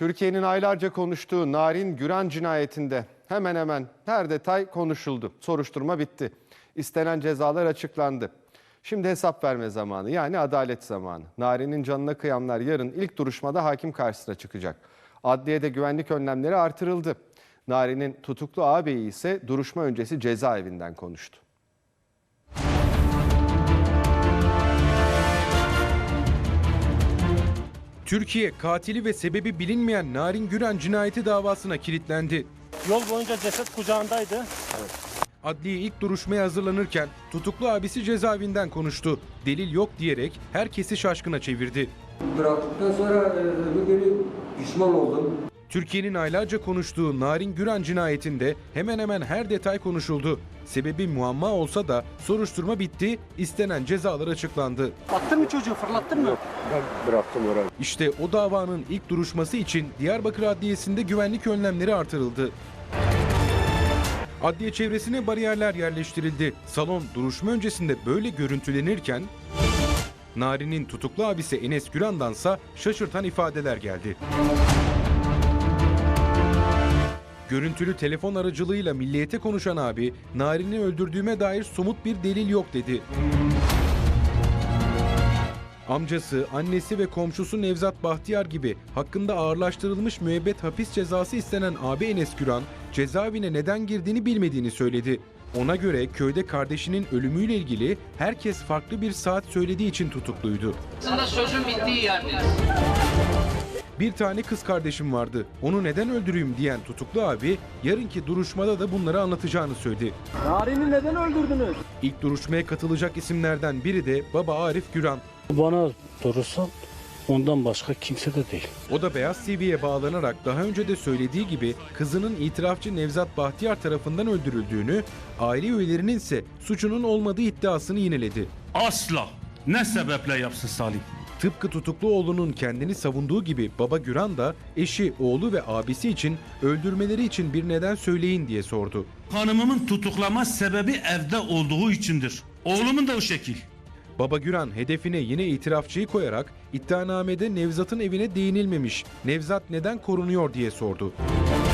Türkiye'nin aylarca konuştuğu Narin Güran cinayetinde hemen hemen her detay konuşuldu. Soruşturma bitti. İstenen cezalar açıklandı. Şimdi hesap verme zamanı, yani adalet zamanı. Narin'in canına kıyanlar yarın ilk duruşmada hakim karşısına çıkacak. Adliyede güvenlik önlemleri artırıldı. Narin'in tutuklu ağabeyi ise duruşma öncesi cezaevinden konuştu. Türkiye katili ve sebebi bilinmeyen Narin Güran cinayeti davasına kilitlendi. Yol boyunca ceset kucağındaydı. Adliye ilk duruşmaya hazırlanırken tutuklu abisi cezaevinden konuştu. Delil yok diyerek herkesi şaşkına çevirdi. Bıraktıktan sonra öbür günü pişman oldum. Türkiye'nin aylarca konuştuğu Narin Güran cinayetinde hemen hemen her detay konuşuldu. Sebebi muamma olsa da soruşturma bitti, istenen cezalar açıklandı. Attın mı çocuğu, fırlattın mı? Ben bıraktım orayı. İşte o davanın ilk duruşması için Diyarbakır Adliyesi'nde güvenlik önlemleri artırıldı. Adliye çevresine bariyerler yerleştirildi. Salon duruşma öncesinde böyle görüntülenirken Narin'in tutuklu abisi Enes Güran'dansa şaşırtan ifadeler geldi. Görüntülü telefon aracılığıyla Milliyet'e konuşan abi, Narin'i öldürdüğüme dair somut bir delil yok dedi. Amcası, annesi ve komşusu Nevzat Bahtiyar gibi hakkında ağırlaştırılmış müebbet hapis cezası istenen abi Enes Güran, cezaevine neden girdiğini bilmediğini söyledi. Ona göre köyde kardeşinin ölümüyle ilgili herkes farklı bir saat söylediği için tutukluydu. Aslında sözün bittiği yerdeyiz. Bir tane kız kardeşim vardı. Onu neden öldüreyim diyen tutuklu abi, yarınki duruşmada da bunları anlatacağını söyledi. Narin'i neden öldürdünüz? İlk duruşmaya katılacak isimlerden biri de baba Arif Güran. Bana sorursan ondan başka kimse de değil. O da Beyaz TV'ye bağlanarak daha önce de söylediği gibi kızının itirafçı Nevzat Bahtiyar tarafından öldürüldüğünü, aile üyelerinin ise suçunun olmadığı iddiasını yineledi. Asla. Ne sebeple yapsın Salim? Tıpkı tutuklu oğlunun kendini savunduğu gibi baba Güran da eşi, oğlu ve abisi için öldürmeleri için bir neden söyleyin diye sordu. Hanımımın tutuklama sebebi evde olduğu içindir. Oğlumun da o şekil. Baba Güran hedefine yine itirafçıyı koyarak iddianamede Nevzat'ın evine değinilmemiş, Nevzat neden korunuyor diye sordu.